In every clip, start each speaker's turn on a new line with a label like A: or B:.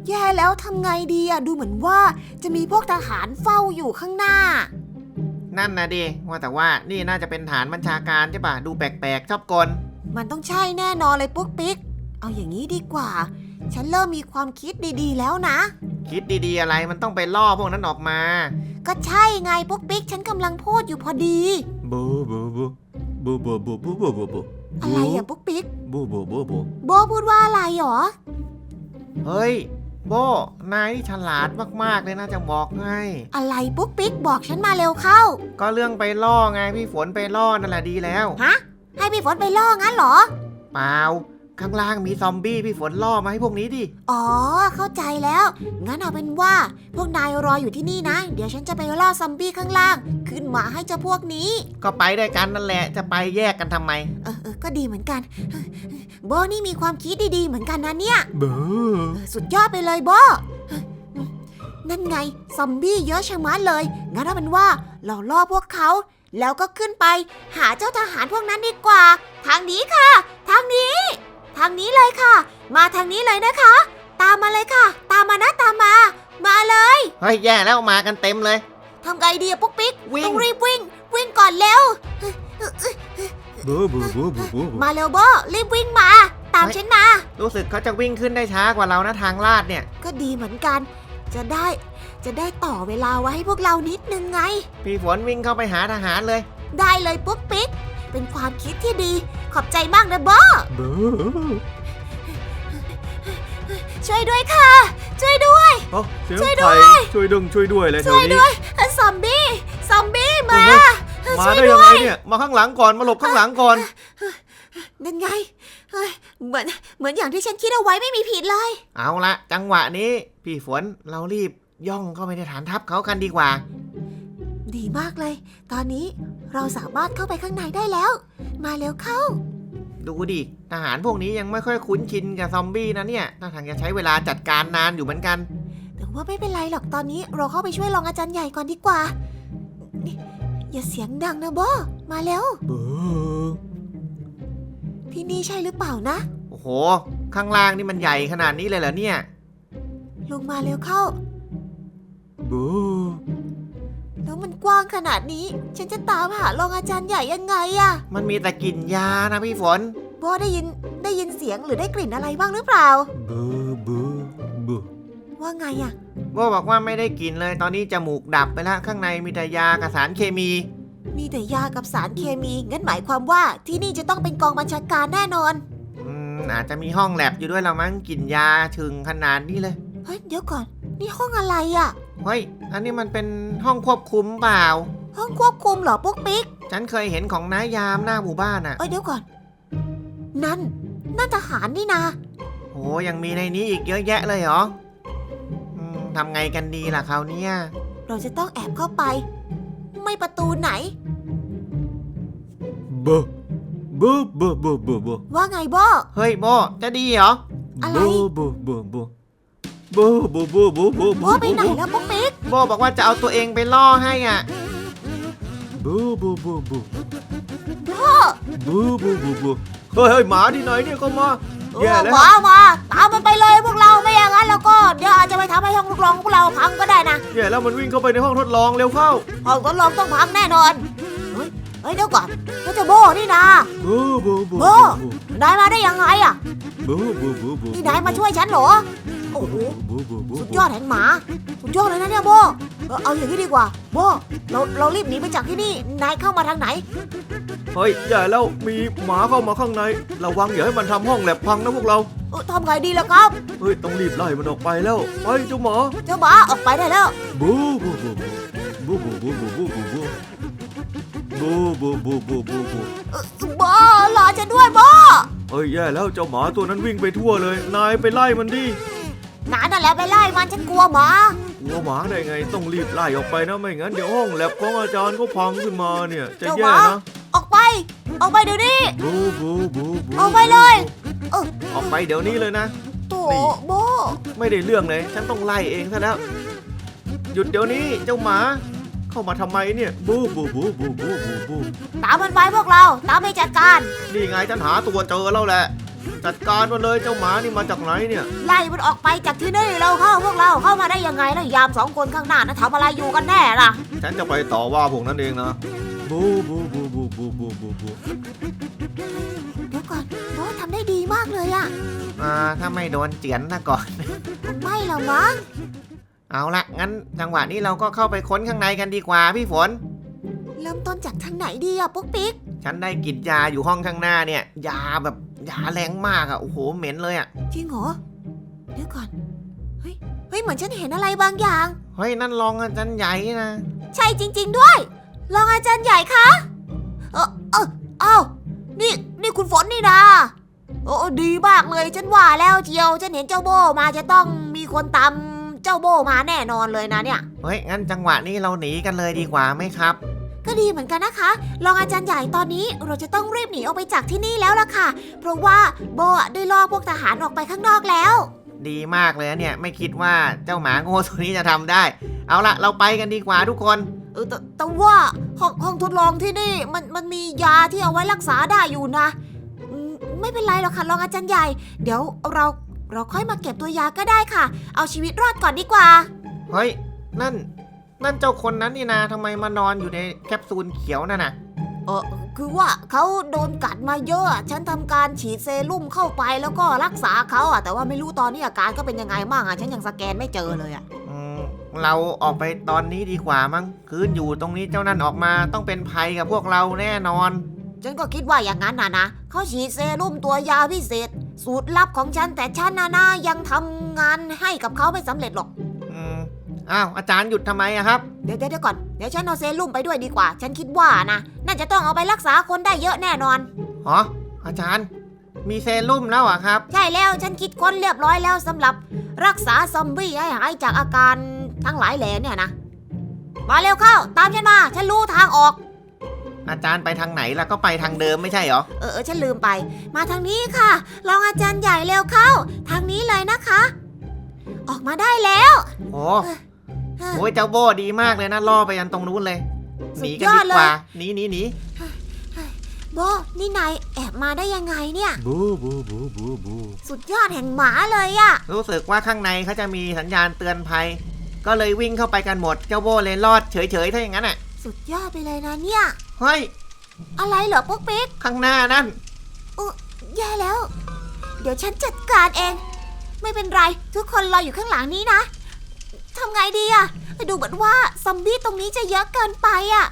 A: แย่แล้วทำไงดีอะดูเหมือนว่าจะมีพวกทหารเฝ้าอยู่ข้างหน้า
B: นั่นนะดิว่าแต่ว่านี่น่าจะเป็นฐานบัญชาการใช่ป่ะดูแปลกๆชอบกล
A: มันต้องใช่แน่นอนเลยปุ๊กปิ๊กเอาอย่างนี้ดีกว่าฉันเริ่มมีความคิดดีๆแล้วนะ
B: คิดดีๆอะไรมันต้องไปล่อพวกนั้นออกมา
A: ก็ใช่ไงปุ๊กปิ๊กฉันกำลังพูดอยู่พอดี
C: บูบูบูบูบูบูบูบูบูบู
A: อะไรอะปุ๊กปิ๊ก
C: บูบูบูบู
A: โบพูดว่าอะไรหรอ
B: เฮ้ยโบนายฉลาดมากๆเลยนะจะบอกให้
A: อะไรปุ๊กปิ๊กบอกฉันมาเร็วเข้า
B: ก็เรื่องไปล่อไงพี่ฝนไปล่อนั่นแหละดีแล้ว
A: ฮะให้พี่ฝนไปล่องั้นเหรอ
B: เปล่าข้างล่างมีซอมบี้พี่ฝนล่อมาให้พวกนี้ดิ
A: อ๋อเข้าใจแล้วงั้นเอาเป็นว่าพวกนายรออยู่ที่นี่นะเดี๋ยวฉันจะไปล่อซอมบี้ข้างล่างขึ้นมาให้เจ้าพวกนี้
B: ก็ไปด้วยกันนั่นแหละจะไปแยกกันทำไม
A: ก็ดีเหมือนกันโบนี่มีความคิดดีๆเหมือนกันนะเนี่ยสุดยอดไปเลยโบนั่นไงซอมบี้เยอะชะมัดเลยงั้นเอาเป็นว่าเราล่อพวกเขาแล้วก็ขึ้นไปหาเจ้าทหารพวกนั้นดีกว่าทางนี้ค่ะทางนี้เลยค่ะมาทางนี้เลยนะคะตามมาเลยค่ะตามมานะตามมาเลย
B: เฮ้ยแย่แล้วมากันเต็มเลย
A: ทำไงดีอะปุ๊กปิ๊กต้องรีบวิ่งก่อนเร็วมาเร็วโบรีบวิ่งมาตามฉันมา
B: รู้สึกเขาจะวิ่งขึ้นได้ช้ากว่าเรานะทางลาดเนี่ย
A: ก็ดีเหมือนกันจะได้ต่อเวลาไว้ให้พวกเรานิดนึงไง
B: พี่ฝนวิ่งเข้าไปหาทหารเลย
A: ได้เลยปุ๊กปิ๊กเป็นความคิดที่ดีขอบใจมากนะโบช่วยด้วยค่ะช่วยด้วย
C: ช่วยด้วยอะไรแถวนี้
A: ซอมบี้มา
C: ได้ยังไงเนี่ยมาข้างหลังก่อนมาหลบข้างหลังก่อน
A: นั่นไงเหมือนอย่างที่ฉันคิดเอาไว้ไม่มีผิดเลย
B: เอาละจังหวะนี้พี่ฝนเรารีบย่องเข้าไปในฐานทัพเขากันดีกว่า
A: ดีมากเลยตอนนี้เราสามารถเข้าไปข้างในได้แล้วมาเร็วเข้า
B: ดูดิทหารพวกนี้ยังไม่ค่อยคุ้นชินกับซอมบี้นะเนี่ยน่าทางจะใช้เวลาจัดการนานอยู่เหมือนกัน
A: แต่ว่าไม่เป็นไรหรอกตอนนี้เราเข้าไปช่วยรองอาจารย์ใหญ่ก่อนดีกว่าอย่าเสียงดังนะโบมาเร็วที่นี่ใช่หรือเปล่านะ
B: โอ้โหข้างล่างนี่มันใหญ่ขนาดนี้เลยเหรอเนี่ย
A: ลงมาเร็วเข้าแล้วมันกว้างขนาดนี้ฉันจะตามหารองอาจารย์ใหญ่ยังไงอะ
B: มันมีแต่กลิ่นยานะพี่ฝน
A: โบได้ยินเสียงหรือได้กลิ่นอะไรบ้างหรือเปล่าว่าไงอะ
B: โบบอกว่าไม่ได้กลิ่นเลยตอนนี้จมูกดับไปแล้วข้างในมีแต่ยากับสารเคมี
A: มีแต่ยากับสารเคมีงั้นหมายความว่าที่นี่จะต้องเป็นกองบัญชาการแน่นอน
B: อาจจะมีห้องแลบอยู่ด้วยละมั้งกลิ่นยาถึงขนาดนี้เลย
A: เฮ้ยเดี๋ยวก่อนนี่ห้องอะไรอะ
B: เฮ้ยอันนี้มันเป็นห้องควบคุมเปล่า
A: ห้องควบคุมเหรอปุ๊กปิ๊ก
B: ฉันเคยเห็นของนายยามหน้าหมู่บ้านอะ
A: เดี๋ยวก่อนนั่นทหารนี่นะ
B: โอ้ยังมีในนี้อีกเยอะแยะเลยเหรอทำไงกันดีล่ะคราวนี้
A: เราจะต้องแอบเข้าไปไม่ประตูไหนว่าไงโบ
B: เฮ้ยโบจะดีเหรอ
A: อะไรโบไปไหนแล้วปุ๊กปิ๊ก
B: โบบอกว่าจะเอาตัวเองไปล่อให้อ่ะ
C: โบเฮ้ยหมาที่ไหนเนี่ยก็มา
A: แย่แล้วมาตามมันไปเลยพวกเราไม่อย่างนั้นแล้วก็เดี๋ยวอาจจะไปทำให้ห้องทดลองพวกเราพังก็ได้นะ
C: แย่แล้วมันวิ่งเข้าไปในห้องทดลองเร็วเข้า
A: ห้องทดลองต้องพังแน่นอนเฮ้ยเดี๋ยวก่อนก็จะโบนี่นะโบนายมาได้ยังไงอ่ะนี่นายมาช่วยฉันเหรอโอ้โหสุดยอดแห่งหมาสุดยอดเลยนะเนี่ยโบเอาอย่างนี้ดีกว่าโบเรารีบหนีไปจากที่นี่นายเข้ามาทางไหน
C: เฮ้ยใหญ่แล้วมีหมาเข้ามาข้างในระวังอย่าให้มันทำห้องแลบพังนะพวกเรา
A: ทำไงดีล่ะครับ
C: เฮ้ยต้องรีบไล่มันออกไปแล้วไปเจ้าหมา
A: ออกไปได้แล้ว
C: บู
A: บ้ารอฉันด้วยบ้า
C: เฮ้ยแย่แล้วเจ้าหมาตัวนั้นวิ่งไปทั่วเลยนายไปไล่มันดิ
A: นั่นแหละไปไล่มันฉันกลัวหมาก
C: ลัวหมาได้ไงต้องรีบไล่ออกไปนะไม่งั้นเดี๋ยวห้องแลบของอาจารย์ก็พังขึ้นมาเนี่ยจะแย่นะ
A: ออกไปเดี๋ยวนี้ออกไปเลย
B: ออกไปเดี๋ยวนี้เลยนะ
A: โถ่โบ
B: ไม่ได้เรื่องเลยฉันต้องไล่เองซะแล้วหยุดเดี๋ยวนี้เจ้าหมาเข้ามาทำไมเนี่ยบู
A: ตามมันไปพวกเราตามไปจัดการ
B: นี่ไงฉันหาตัวเจอแล้วแหละจัดการมันเลยเจ้าหมานี่มาจากไหนเนี่ย
A: ไล่มันออกไปจากที่นี่เราพวกเราเข้ามาได้ยังไงแล้วยามสองคนข้างหน้านะทำอะไรอยู่กันแน่ล่ะ
B: ฉันจะไปต่อว่าพวกนั้นเองนะ
C: บูบูบูบูบูบูบูบู
A: เดี๋ยวก่อนโบทำได้ดีมากเลยอะ
B: ถ้าไม่โดนเจียนนะก่อน
A: คงไม่หรอกมั้ง
B: เอาละงั้นจังหวะนี้เราก็เข้าไปค้นข้างในกันดีกว่าพี่ฝน
A: เริ่มต้นจากทางไหนดีอะปุ๊กปิ๊ก
B: ฉันได้กลิ่นยาอยู่ห้องข้างหน้าเนี่ย ยาแบบยาแรงมากอะโอ้โหเหม็นเลยอะ
A: จริงเหรอเดี๋ยวก่อนเฮ้ยเหมือนฉันเห็นอะไรบางอย่าง
B: เฮ้ยนั่นรองอาจารย์ใหญ่นะ
A: ใช่จริง ๆด้วยรองอาจารย์ใหญ่คะเอ้านี่คุณฝนนี่นาโอ้ดีมากเลยฉันว่าแล้วเจียวฉันเห็นเจ้าโบมาจะต้องมีคนตามเจ้าโบมาแน่นอนเลยนะเนี่ย
B: เฮ้ยงั้นจังหวะนี้เราหนีกันเลยดีกว่าไหมครับ
A: ก็ดีเหมือนกันนะคะรองอาจารย์ใหญ่ตอนนี้เราจะต้องรีบหนีออกไปจากที่นี่แล้วล่ะค่ะเพราะว่าโบได้ล่อพวกทหารออกไปข้างนอกแล้ว
B: ดีมากเลยนะเนี่ยไม่คิดว่าเจ้าหมาโง่ตัวนี้จะทำได้ เอาละเราไปกันดีกว่าทุกคน
A: แต่ว่าห้องทดลองที่นี่มันมียาที่เอาไว้รักษาได้อยู่นะไม่เป็นไรหรอกค่ะรองอาจารย์ใหญ่เดี๋ยวเราค่อยมาเก็บตัวยาก็ได้ค่ะเอาชีวิตรอดก่อนดีกว่า
B: เฮ้ยนั่นเจ้าคนนั้นนี่นะทำไมมานอนอยู่ในแคปซูลเขียวนั่นน่ะ
A: คือว่าเขาโดนกัดมาเยอะฉันทำการฉีดเซรุ่มเข้าไปแล้วก็รักษาเขาอะแต่ว่าไม่รู้ตอนนี้อาการก็เป็นยังไงบ้างอะฉันยังสแกนไม่เจอเลยอะ
B: เราออกไปตอนนี้ดีกว่ามั้งคืนอยู่ตรงนี้เจ้านั่นออกมาต้องเป็นภัยกับพวกเราแน่นอน
A: ฉันก็คิดว่าอย่างนั้นนะเขาฉีดเซรุ่มตัวยาพิเศษสูตรลับของฉันแต่ฉันนะยังทำงานให้กับเขาไม่สำเร็จหรอก
B: อ้าวอาจารย์หยุดทำไมอะครับ
A: เดี๋ยวก่อนเดี๋ยวฉันเอาเซรุ่มไปด้วยดีกว่า ฉันคิดว่านะน่าจะต้องเอาไปรักษาคนได้เยอะแน่นอน
B: หรออาจารย์มีเซรุ่มแล้วอะครับ
A: ใช่แล้วฉันคิดค้นเรียบร้อยแล้วสำหรับรักษาซอมบี้ให้หายจากอาการทั้งหลายแหล่เนี่ยนะมาเร็วเข้าตามฉันมาฉันรู้ทางออก
B: อาจารย์ไปทางไหนแล้วก็ไปทางเดิมไม่ใช่เหรอ
A: ฉันลืมไปมาทางนี้ค่ะรองอาจารย์ใหญ่เร็วเข้าทางนี้เลยนะคะ ออกมาได้แล้ว
B: โอ้ยเจ้าโบดีมากเลยนะล่อไปยันตรงนู้นเลยห
A: สุ
B: นี
A: ด
B: กัน
A: ยอ
B: ดี
A: ดเล
B: กว่าย หนี
A: โบนี่นายแอบมาได้ยังไงเนี่ย
C: บูบูบูบูบู
A: สุดยอดแห่งหมาเลยอะ
B: รู้สึกว่าข้างในเขาจะมีสัญญาณเตือนภัย ก็เลยวิ่งเข้าไปกันหมดเจ้าโบเลยรอดเฉยๆถ้าอย่างนั้นอ่ะ
A: สุดยอดไปเลยนะเนี่ย
B: เฮ้ย
A: อะไรเหรอปุ๊กปิ๊ก
B: ข้างหน้านั่น
A: แย่แล้ว เดี๋ยวฉันจัดการเอง ไม่เป็นไรทุกคนรออยู่ข้างหลังนี้นะทำไงดีอะดูเหมือนว่าซอมบี้ตรงนี้จะเยอะเกินไปอะ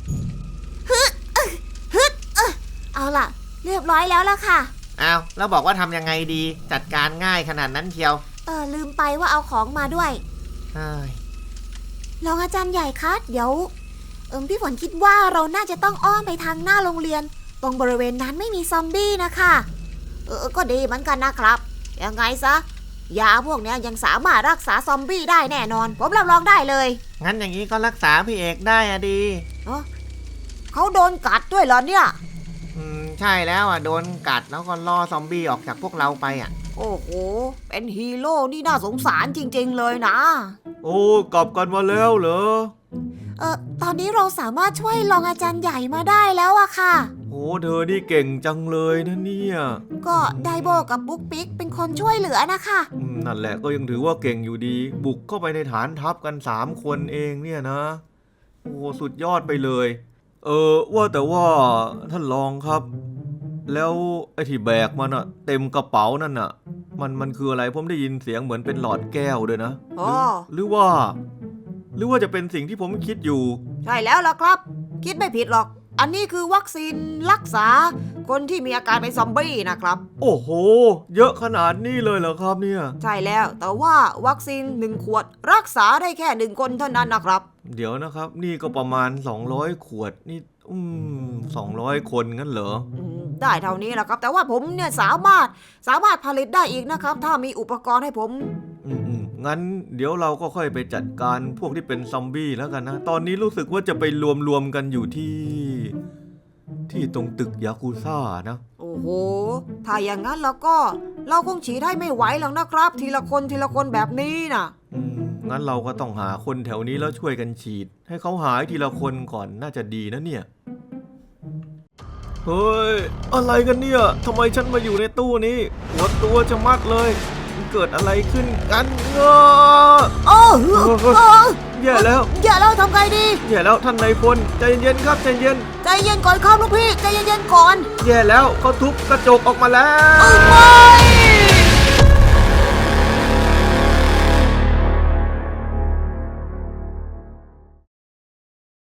A: ฮึดเอาล่ะ เรียบร้อยแล้วล่ะค่ะ
B: อ้าวแล้วบอกว่าทำยังไงดี จัดการง่ายขนาดนั้นเชียว
A: ลืมไปว่าเอาของมาด้วย
B: เฮ้ย
A: รองอาจารย์ใหญ่คะเดี๋ยวพี่ฝนคิดว่าเราน่าจะต้องอ้อมไปทางหน้าโรงเรียน ตรงบริเวณนั้นไม่มีซอมบี้นะคะก็ดีเหมือนกันนะครับยังไงซะยาพวกนี้ยังสามารถรักษาซอมบี้ได้แน่นอนผมรับรองได้เลย
B: งั้นอย่างนี้ก็รักษาพี่เอกได้อะดี
A: เขาโดนกัดด้วยเหรอเนี่ย
B: ใช่แล้วอ่ะโดนกัดแล้วก็ล่อซอมบี้ออกจากพวกเราไปอ่ะ
A: โอ้โหเป็นฮีโร่นี่น่าสงสารจริงๆเลยนะ
C: โอ้กลับกันมาแล้วเหรอ
A: ตอนนี้เราสามารถช่วยรองอาจารย์ใหญ่มาได้แล้วอะค่ะ
C: โอ้เธอนี่เก่งจังเลยนะเนี่ย
A: ก็ไดโบกับบุ๊กปิ๊กเป็นคนช่วยเหลือนะคะ
C: นั่นแหละก็ยังถือว่าเก่งอยู่ดี บุกเข้าไปในฐานทัพกัน3 คนเองเนี่ยนะโอ้สุดยอดไปเลย ว่าแต่ว่าท่านรองครับ แล้วไอ้ที่แบกมันอะเต็มกระเป๋านั่นอะมันคืออะไรผมได้ยินเสียงเหมือนเป็นหลอดแก้วด้วยนะ
A: อ๋อ
C: หรือว่าจะเป็นสิ่งที่ผมคิดอยู่
A: ใช่แล้วล่ะครับ คิดไม่ผิดหรอก อันนี้คือวัคซีนรักษาคนที่มีอาการเป็นซอมบี้นะครับ
C: โอ้โห เยอะขนาดนี้เลยเหรอครับเนี่ย
A: ใช่แล้วแต่ว่าวัคซีน1 ขวดรักษาได้แค่1 คนเท่านั้นนะครับ
C: เดี๋ยวนะครับ นี่ก็ประมาณ200 ขวดนี่200 คนงั้นเหรอ
A: ได้เท่านี้แหละครับ แต่ว่าผมเนี่ยสามารถผลิตได้อีกนะครับ ถ้ามีอุปกรณ์ให้ผม
C: งั้นเดี๋ยวเราก็ค่อยไปจัดการพวกที่เป็นซอมบี้แล้วกันนะ ตอนนี้รู้สึกว่าจะไปรวมกันอยู่ที่ตรงตึกยากุซ่านะ
A: โอ้โห ถ้าอย่างนั้นแล้วก็เราคงฉีดให้ไม่ไหวหรอกนะครับ ทีละคนแบบนี้นะ
C: งั้นเราก็ต้องหาคนแถวนี้แล้วช่วยกันฉีด ให้เขาหายทีละคนก่อนน่าจะดีนะเนี่ยเฮ้ยอะไรกันเนี่ยทำไมฉันมาอยู่ในตู้นี้ปวดตัวจะมัดเลยมันเกิดอะไรขึ้นกันเออ
A: โอ้โอ้
C: แย่แล้ว
A: อย่าแล้วทำไงดี
C: แย่แล้วท่านนายพลใจเย็นๆครับใจเย็น
A: ใจเย็นก่อนครับลูกพี่ใจเย็นๆก่อน
C: แย่แล้วเขาทุบกระจกออกมาแล้
A: เอา
C: ว
A: ไป